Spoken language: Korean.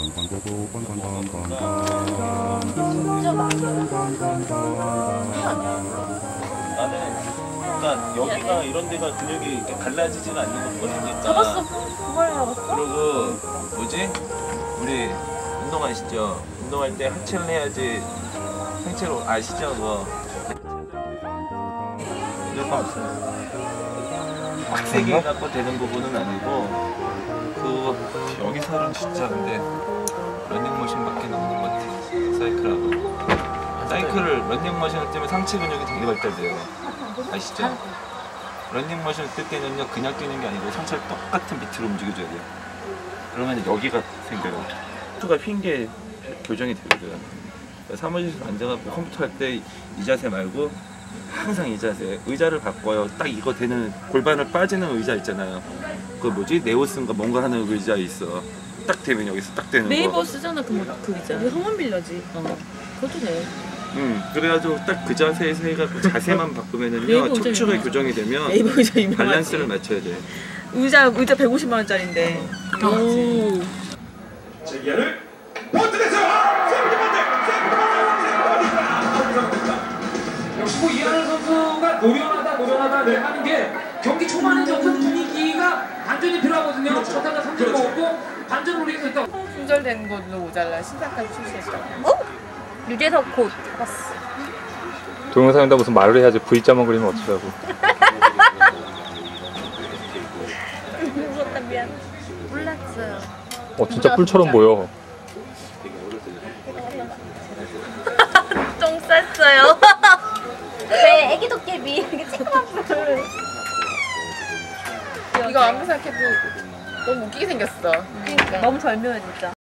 진짜 많이 나는 그러니까 여기가 이런 데가 근육이 이렇게 갈라지지가 않는 거거든요. 잡았어. 그걸 잡았어? 그리고 뭐지? 우리 운동하시죠? 운동할 때 하체를 해야지 상체로 아시죠? 그거 무조건 없어요. 빡세게 해갖고 되는 부분은 아니고 그 여기 살은 진짜 근데 러닝머신밖에 없는 것 같아. 사이클하고 사이클을 러닝머신을 뜨면 상체 근육이 되게 발달돼요. 아시죠? 러닝머신을 뜰 때는요 그냥 뛰는 게 아니고 상체를 똑같은 비트로 움직여줘야 돼요. 그러면 여기가 생겨요. 컴퓨터가 휜 게 교정이 되거든. 사무실에서 앉아갖고 컴퓨터 할 때 이 자세 말고 항상 이 자세. 의자를 바꿔요. 딱 이거 되는 골반을 빠지는 의자 있잖아요. 그 뭐지? 네오슨가 뭔가 하는 의자 있어. 딱 되면 여기서 딱 되는 거. 네이버 쓰잖아 그 의자. 우리 성원 빌려지. 그것도 돼. 그래가지고 딱 그 자세에서 해갖고 자세만 바꾸면은요 네이버 의자 척추가 유명하지. 교정이 되면 네이버 의자 유명하지. 밸런스를 맞춰야 돼. 의자 150만 원짜리인데. 오. 제기를 번트냈어요. 역시 뭐 이하늘 선수가 노련하다 하는 게 경기 초반에 어떤 분위기가 반전이 필요하거든요. 첫타가 3점 먹었고 반전 노리면서 일단 품절된 걸로 모자라 신상까지 출시했다. 유재석 곧 잡았어. 동영상에다 무슨 말을 해야지 V자만 그리면 어쩌라고. 무섭다 미안. 몰랐어요. 진짜 뿔처럼 보여. 똥 쌌어요. 왜 애기 도깨비 이렇게 쬐끄만 뿔. 이거 아무리 생각해도 너무 웃기게 생겼어. 그러니까 너무 절묘해 진짜.